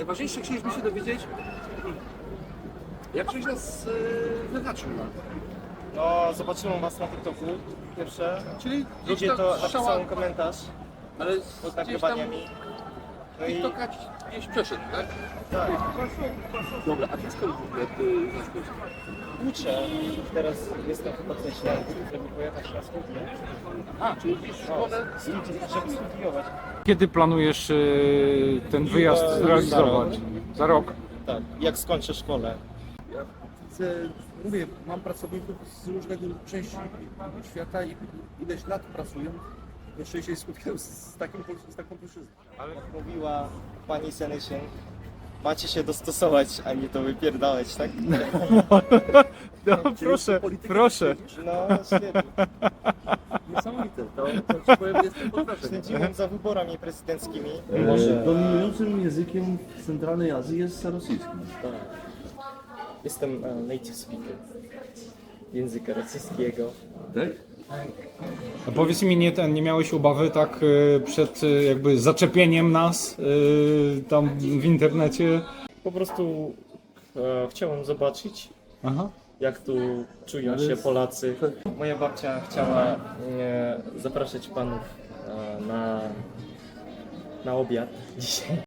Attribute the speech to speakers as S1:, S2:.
S1: najważniejsze chcieliśmy się dowiedzieć, jak ktoś nas wyznaczył.
S2: No, zobaczyłem was na TikToku pierwsze.
S1: Czyli
S2: Ludzie to napisał komentarz
S1: ale
S2: pod
S1: gdzieś tam
S2: nagrywaniami. No i
S1: TikToka gdzieś przeszedł, tak?
S2: tak,
S1: Dobra, a ty skąd w ogóle znasz?
S2: uczę. Teraz jestem chyba coś żeby pojechać na studia.
S1: A, czyli gdzieś w szkole?
S2: Żeby studiować.
S3: Kiedy planujesz ten wyjazd zrealizować? Za rok?
S2: Tak, jak skończę szkołę.
S1: Ja chcę, mówię, mam pracowników z różnego części świata i ileś lat pracują. Jeszcze się spotkałem z taką płaszczyzną.
S2: Ale jak mówiła pani Senyszyn, macie się dostosować, a nie to wypierdalać, tak?
S3: No, proszę, proszę.
S2: No, świetnie.
S1: Niesamowite, to ci powiem, jestem pod wrażeniem.
S2: Śledziłem za wyborami prezydenckimi.
S4: Dominującym językiem w centralnej Azji jest rosyjski.
S2: Jestem native speaker języka rosyjskiego.
S4: Tak?
S3: A powiedz mi, nie miałeś obawy tak przed jakby zaczepieniem nas tam w internecie?
S2: Po prostu chciałem zobaczyć,
S3: Aha.
S2: jak tu czują się Polacy. Moja babcia chciała zapraszać panów na obiad dzisiaj.